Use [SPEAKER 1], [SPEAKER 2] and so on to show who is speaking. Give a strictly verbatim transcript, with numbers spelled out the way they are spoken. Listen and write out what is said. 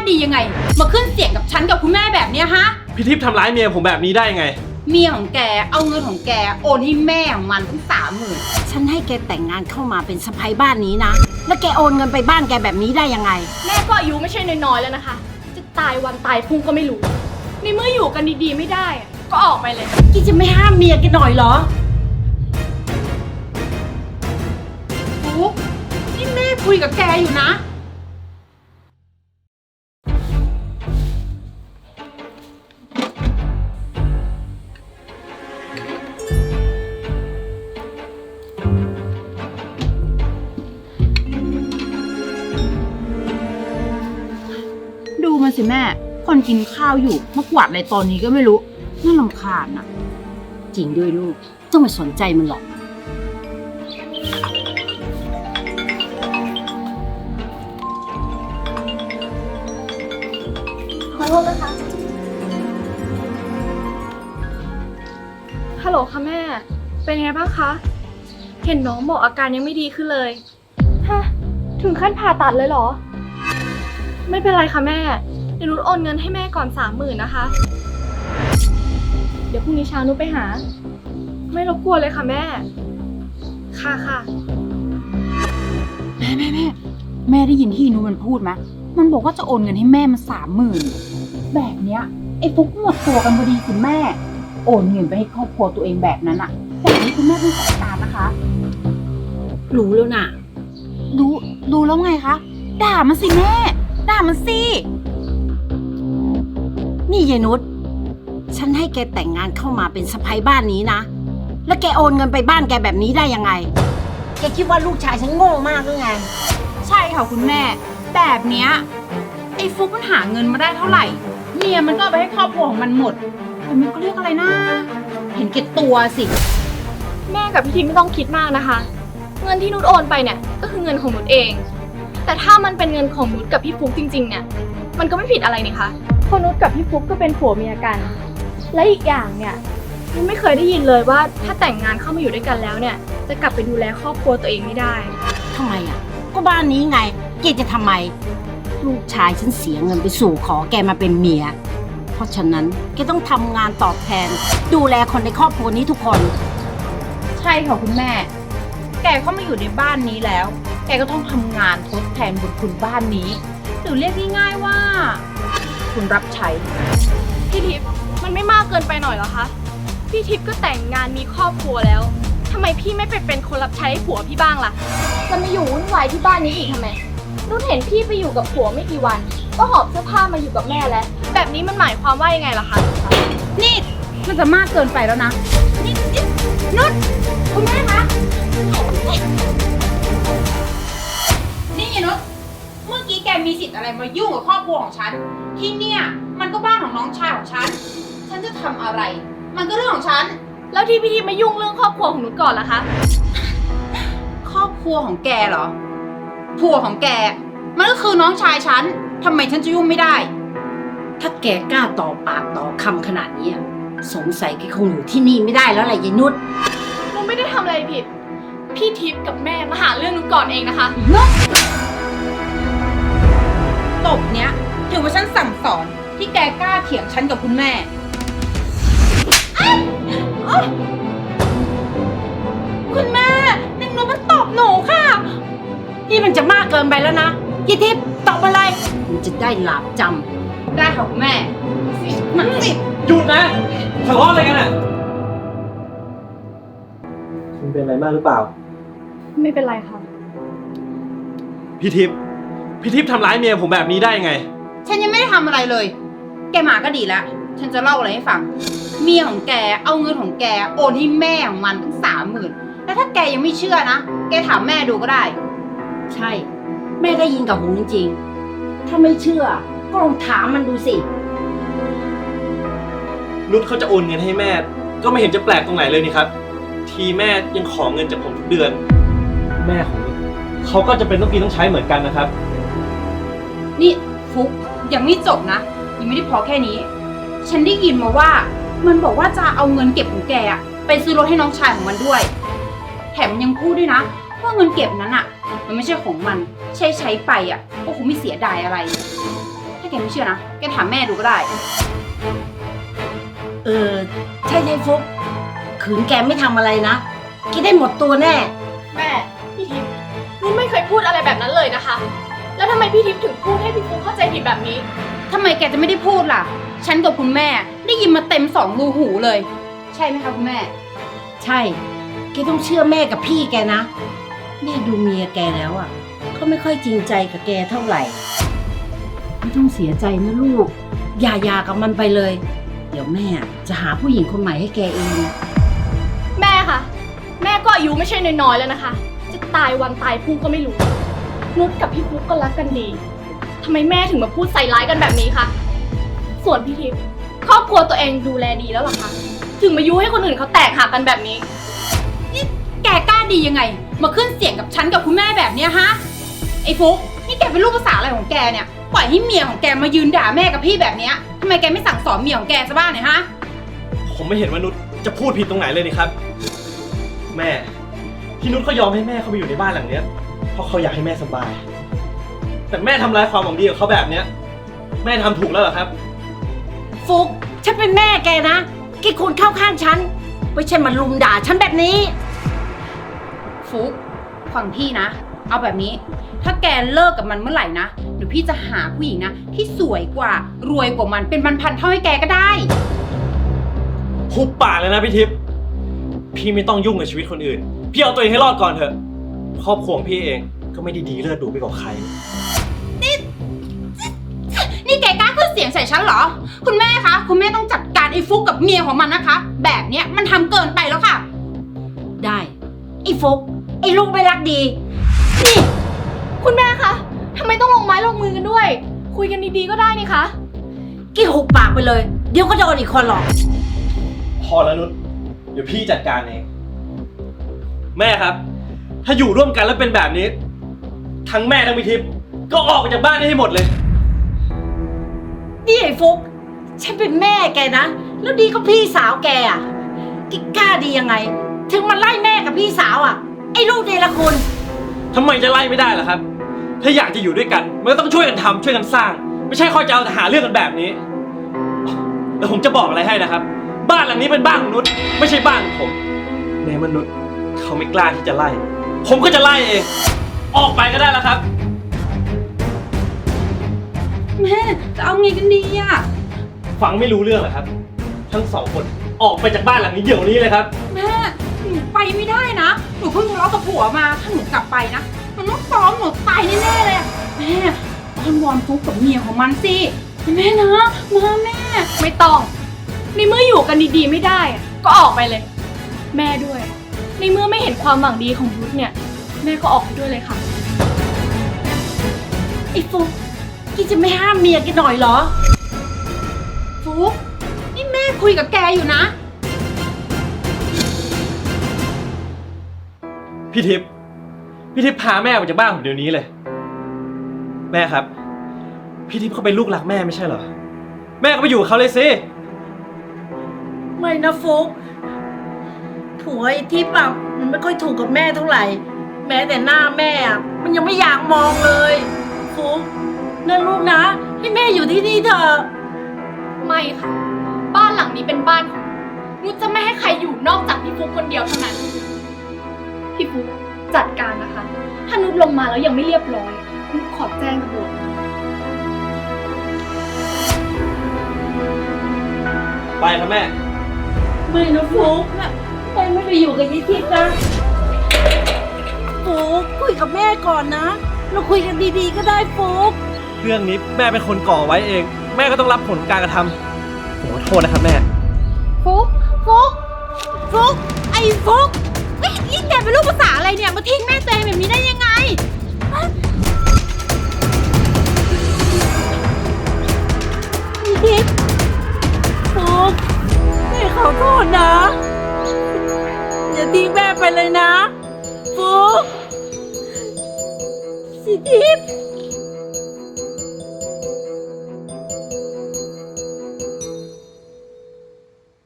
[SPEAKER 1] ดียังไงมาขึ้นเสียงกับฉันกับคุณแม่แบบเนี้ยฮะ
[SPEAKER 2] พี่ทิพย์ทำร้ายเมียผมแบบนี้ได้ยังไง
[SPEAKER 1] เมียของแกเอาเงินของแกโอนให้แม่ของมันทั้งสามหมื่นฉันให้แกแต่งงานเข้ามาเป็นสะใภ้บ้านนี้นะแล้วแกโอนเงินไปบ้านแกแบบนี้ได้ยังไง
[SPEAKER 3] แม่ก็อายุไม่ใช่น้อยๆแล้วนะคะจะตายวันตายพรุ่งก็ไม่รู้ในเมื่ออยู่กันดีๆไม่ได้ก็ออกไปเลย
[SPEAKER 1] แกจะไม่ห้ามเมียแกหน่อยเหรอฟุ๊กนี่แม่คุยกับแกอยู่นะดูมาสิแม่คนกินข้าวอยู่มากวาดอะไรตอนนี้ก็ไม่รู้น่ารำคาญนะจริงด้วยลูกต้องไม่สนใจมันหรอก
[SPEAKER 3] ขอโทษนะคะฮัลโหลค่ะแม่เป็นไงบ้างคะเห็นน้องบอกอาการยังไม่ดีขึ้นเลยฮะถึงขั้นผ่าตัดเลยเหรอไม่เป็นไรค่ะแม่เดี๋ยวนุชโอนเงินให้แม่ก่อนสามหมื่นนะคะเดี๋ยวพรุ่งนี้เช้านุชไปหาไม่รบกวนเลยค่ะแม่ค่ะค่ะ
[SPEAKER 1] แม่แม่แม่แม่ได้ยินที่นูมันพูดไหมมันบอกว่าจะโอนเงินให้แม่มันสามหมื่นแบบเนี้ยไอ้ฟุกหมดตัวกันพอดีสิแม่โอนเงินไปให้ครอบครัวตัวเองแบบนั้นอะแบบนี้คุณแม่ต้องจัดการนะคะรู้แล้วน่ะรู้รู้แล้วไงคะด่ามันสิแม่ด่ามันสินี่ยายนุชฉันให้แกแต่งงานเข้ามาเป็นสะใภ้บ้านนี้นะแล้วแกโอนเงินไปบ้านแกแบบนี้ได้ยังไงแกคิดว่าลูกชายฉันโง่มากหรือไงใช่ค่ะคุณแม่แบบเนี้ยไอ้ฟุกมันหาเงินมาได้เท่าไหร่เมียมันก็เอาไปให้ครอบครัวของมันหมดแต่มันก็เรียกอะไรนะเห็นแก่ตัวสิ
[SPEAKER 3] แม่กับพี่ทิมไม่ต้องคิดมากนะคะเงินที่นุชโอนไปเนี่ยก็คือเงินของนุชเองแต่ถ้ามันเป็นเงินของนุชกับพี่ฟุกจริงๆเนี่ยมันก็ไม่ผิดอะไรนี่คะเพราะนุชกับพี่ฟุกก็เป็นผัวเมียกันและอีกอย่างเนี่ยนุชไม่เคยได้ยินเลยว่าถ้าแต่งงานเข้ามาอยู่ด้วยกันแล้วเนี่ยจะกลับไปดูแลครอบครัวตัวเองไม่ได้
[SPEAKER 1] ทำไมอ่ะก็บ้านนี้ไงแกจะทำไมลูกชายฉันเสียเงินไปสู่ขอแกมาเป็นเมียเพราะฉะนั้นแกต้องทำงานตอบแทนดูแลคนในครอบครัวนี้ทุกคนใช่ค่ะคุณแม่แกเข้ามาอยู่ในบ้านนี้แล้วแกก็ต้องทำงานทดแทนบุญคุณบ้านนี้หรือเรียกง่ายๆว่าคุณรับใช้
[SPEAKER 3] พี่ทิพย์มันไม่มากเกินไปหน่อยเหรอคะพี่ทิพย์ก็แต่งงานมีครอบครัวแล้วทำไมพี่ไม่ไปเป็นคนรับใช้ผัวพี่บ้างล่ะจะมาอยู่วุ่นวายที่บ้านนี้อีกทำไมนุ่นเห็นพี่ไปอยู่กับผัวไม่กี่วันก็หอบเสื้อผ้ามาอยู่กับแม่แล้วแบบนี้มันหมายความว่ายังไงล่ะคะ
[SPEAKER 1] นี่มันจะมากเกินไปแล้วนะนี่นุ่นคุณแม่คะนี่ยนุชเมื่อกี้แกมีสิทธิ์อะไรมายุ่งกับครอบครัวของฉันที่เนี่ยมันก็บ้านของน้องชายของฉันฉันจะทำอะไรมันก็เรื่องของฉัน
[SPEAKER 3] แล้วที่พี่ทิพย์มายุ่งเรื่องครอบครัวของนุชก่อนล่ะคะ
[SPEAKER 1] ครอบครัวของแกเหรอผัวของแกมันก็คือน้องชายฉันทำไมฉันจะยุ่งไม่ได้ถ้าแกกล้าต่อปากต่อคำขนาดนี้สงสัยแกคงอยู่ที่นี่ไม่ได้แล้วแหละยายนุช
[SPEAKER 3] นุชไม่ได้ทำอะไรผิดพี่ทิพย์กับแม่มาหาเรื่องนุชก่อนเองนะคะ
[SPEAKER 1] ตบเนี้ยถือว่าฉันสั่งสอนที่แกกล้าเถียงฉันกับคุณแม่คุณแม่นางนุชมันตบหนูค่ะนี่มันจะมากเกินไปแล้วนะยี่ทิพย์ตอบอะไรมันจะได้หลาบจำได้ค่ะคุณแม่มันสิ
[SPEAKER 2] หยุดนะทะเลาะอะไรกันอ่ะคุณเป็นอะไรมากหรือเปล่า
[SPEAKER 3] ไม่เป็นไรค่ะ
[SPEAKER 2] พี่ทิพย์พี่ทิพย์ทำร้ายเมียผมแบบนี้ได้ยังไง
[SPEAKER 1] ฉันยังไม่ได้ทำอะไรเลยแกมาก็ดีแล้วฉันจะเล่าอะไรให้ฟังเมียของแกเอาเงินของแกโอนให้แม่ของมันตั้งสามหมื่นแล้วถ้าแกยังไม่เชื่อนะแกถามแม่ดูก็ได้ใช่แม่ได้ยินกับหูจริงๆถ้าไม่เชื่อก็ลองถามมันดูสิ
[SPEAKER 2] นุชเขาจะโอนเงินให้แม่ก็ไม่เห็นจะแปลกตรงไหนเลยนี่ครับทีแม่ยังขอเงินจากผมทุกเดือนแม่ของนุชเขาก็จะเป็นต้องกินต้องใช้เหมือนกันนะครับ
[SPEAKER 1] นี่ฟุกยังไม่จบนะยังไม่ได้พอแค่นี้ฉันได้ยินมาว่ามันบอกว่าจะเอาเงินเก็บของแกอะไปซื้อรถให้น้องชายของมันด้วยแถมยังพูดด้วยนะว่าเงินเก็บนั้นอะมันไม่ใช่ของมันใช้ใช้ไปอะก็คงไม่เสียดายอะไรแถ
[SPEAKER 4] ถ้าแกไม่เชื่อนะ แกถามแม่ดูก็ได้
[SPEAKER 1] เออ ใช่ใช่ฟุกขืนแกไม่ทำอะไรนะแกได้หมดตัวแน่
[SPEAKER 3] แม่ พี่ทิพย์นุชไม่เคยพูดอะไรแบบนั้นเลยนะคะ แล้วทำไมพี่ทิพย์ถึงพูดให้พี่ฟุ๊กเข้าใจผิดแบบนี้
[SPEAKER 4] ทำไมแกจะไม่ได้พูดล่ะ ฉันกับคุณแม่ได้ยินมาเต็มสองรูหูเลย ใช่ไหมคะคุณแม่
[SPEAKER 1] ใช่แกต้องเชื่อแม่กับพี่แกนะแม่ดูเมียแกแล้วอ่ะเขาไม่ค่อยจริงใจกับแกเท่าไหร่ไม่ต้องเสียใจนะลูกอย่าหยากับมันไปเลย เดี๋ยวแม่จะหาผู้หญิงคนใหม่ให้แกเอง
[SPEAKER 3] แม่คะแม่ก็อายุไม่ใช่น้อยๆแล้วนะคะ จะตายวันตายพรุ่งก็ไม่รู้ นุชกับพี่ฟุ๊กก็รักกันดีทำไมแม่ถึงมาพูดใส่ร้ายกันแบบนี้คะส่วนพี่ทิพย์ครอบครัวตัวเองดูแลดีแล้วหรอคะถึงมายุให้คนอื่นเขาแตกหักกันแบบนี้
[SPEAKER 4] แกกล้าดียังไง มาขึ้นเสียงกับฉันกับคุณแม่แบบเนี้ยฮะ ไอ้ฟุกนี่แกเป็นลูกภาษาอะไรของแกเนี่ย ปล่อยให้เมียของแกมายืนด่าแม่กับพี่แบบเนี้ยทำไมแกไม่สั่งสอนเมียของแกซะบ้างเนี่ยฮะ
[SPEAKER 2] ผมไม่เห็นว่านุชจะพูดผิดตรงไหนเลยนี่ครับ แม่ที่นุชเขายอมให้แม่เขาไปอยู่ในบ้านหลังเนี้ยเพราะเขาอยากให้แม่สบาย แต่แม่ทำลายความหวังดีของเขาแบบเนี้ยแม่ทำถูกแล้วเหรอครับ
[SPEAKER 1] ฟุกฉันเป็นแม่แกนะแกควรเข้าข้างฉันไม่ใช่มาลุมด่าฉันแบบนี้
[SPEAKER 4] ฟุกฟังพี่นะ เอาแบบนี้ ถ้าแกเลิกกับมันเมื่อไหร่นะเดี๋ยวพี่จะหาผู้หญิงนะที่สวยกว่ารวยกว่ามันเป็นพันๆเท่าให้แกก็ได้
[SPEAKER 2] หุบปากเลยนะพี่ทิพย์พี่ไม่ต้องยุ่งกับชีวิตคนอื่น พี่เอาตัวเองให้รอดก่อนเถอะ ครอบครัวของพี่เองก็ไม่ได้ดีเลิศดูไปกว่าใคร
[SPEAKER 4] นี่แกกล้าขึ้นเสียงใส่ฉันเหรอ คุณแม่คะ คุณแม่ต้องจัดการไอ้ฟุกกับเมียของมันนะคะ แบบเนี้ยมันทำเกินไปแล้วค่ะ
[SPEAKER 1] ได้ไอ้ฟุกไอ้ลูกไม่รักดีนี่
[SPEAKER 3] คุณแม่คะทำไมต้องลงไม้ลงมือกันด้วย คุยกันดีๆก็ได้นี่คะ
[SPEAKER 1] กี่หุบปากไปเลย เดี๋ยวก็โดนอีกคนหรอก
[SPEAKER 2] พอแล้วนุชเดี๋ยวพี่จัดการเอง แม่ครับ ถ้าอยู่ร่วมกันแล้วเป็นแบบนี้ ทั้งแม่ทั้งพี่ทิพย์ก็ออกไปจากบ้านนี้ให้หมดเลย
[SPEAKER 1] นี่ไอ้ฟุกฉันเป็นแม่แกนะ แล้วดีก็พี่สาวแกอ่ะแกกล้าดียังไง ถึงมาไล่แม่กับพี่สาวอ่ะ ไอ้ลูกเดรคุณ
[SPEAKER 2] ทำไมจะไล่ไม่ได้ล่ะครับ ถ้าอยากจะอยู่ด้วยกันมันก็ต้องช่วยกันทำช่วยกันสร้าง ไม่ใช่คอยจะเอาแต่หาเรื่องกันแบบนี้ แล้วผมจะบอกอะไรให้นะครับ บ้านหลังนี้เป็นบ้านของนุชไม่ใช่บ้านของผมในมนุษย์เขาไม่กล้าที่จะไล่ ผมก็จะไล่เอง ออกไปก็ได้แล้วครับ
[SPEAKER 4] แม่จะเอาไงกันดีอะ
[SPEAKER 2] ฟังไม่รู้เรื่องเหรอครับ ทั้งสองคนออกไปจากบ้านหลังนี้เดี๋ยวนี้เลยครับ
[SPEAKER 4] แม่หนูไปไม่ได้นะ หนูเพิ่งทะเลาะกับผัวมา ถ้าหนูกลับไปนะ มันต้องฟ้องหนูตายแน่ๆเลยอะแม่อ้อนวอนฟุกกับเมียของมันสิแม่นะมาแม่
[SPEAKER 3] ไม่ต้องในเมื่ออยู่กันดีๆไม่ได้อะก็ออกไปเลย แม่ด้วย ในเมื่อไม่เห็นความหวังดีของนุชเนี่ย แม่ก็ออกไปด้วยเลยค่ะ
[SPEAKER 1] ไอ้ฟุกแกจะไม่ห้ามเมียแกหน่อยเหรอ
[SPEAKER 4] ฟุกนี่แม่คุยกับแกอยู่นะ
[SPEAKER 2] พี่ทิพย์พี่ทิพย์พาแม่ออกจากบ้านผมเดี๋ยวนี้เลย แม่ครับ พี่ทิพย์เขาเป็นลูกรักแม่ไม่ใช่เหรอ แม่ก็ไปอยู่กับเขาเลยสิ
[SPEAKER 1] ไม่นะฟุกผัวไอ้ทิพย์อ่ะมันไม่ค่อยถูกกับแม่เท่าไหร่ แม้แต่หน้าแม่อ่ะมันยังไม่อยากมองเลยฟุกนั่นลูกนะให้แม่อยู่ที่นี่เถอะ
[SPEAKER 3] ไม่ค่ะ บ้านหลังนี้เป็นบ้านของนุชจะไม่ให้ใครอยู่นอกจากพี่ฟุกคนเดียวเท่านั้น พี่ฟุกจัดการนะคะ ถ้านุชลงมาแล้วยังไม่เรียบร้อยนุชขอแจ้งตำรวจ
[SPEAKER 2] ไปครับแม่
[SPEAKER 1] ไม่นะฟุกแม่ไม่ไปอยู่กับยายทิพย์นะฟุกคุยกับแม่ก่อนนะ เราคุยกันดีๆก็ได้ฟุก
[SPEAKER 2] เรื่องนี้แม่เป็นคนก่อไว้เอง แม่ก็ต้องรับผลของการกระทำผมขอโทษนะครับแม่
[SPEAKER 4] ฟุกฟุกฟุกไอ้ฟุกเฮ้ยนี่แกเป็นลูกภาษาอะไรเนี่ย มาทิ้งแม่ตัวเองแบบนี้ได้ยังไง
[SPEAKER 1] ยายทิพย์ฟุกแม่ขอโทษนะ อย่าทิ้งแม่ไปเลยนะฟุกสิทิพย์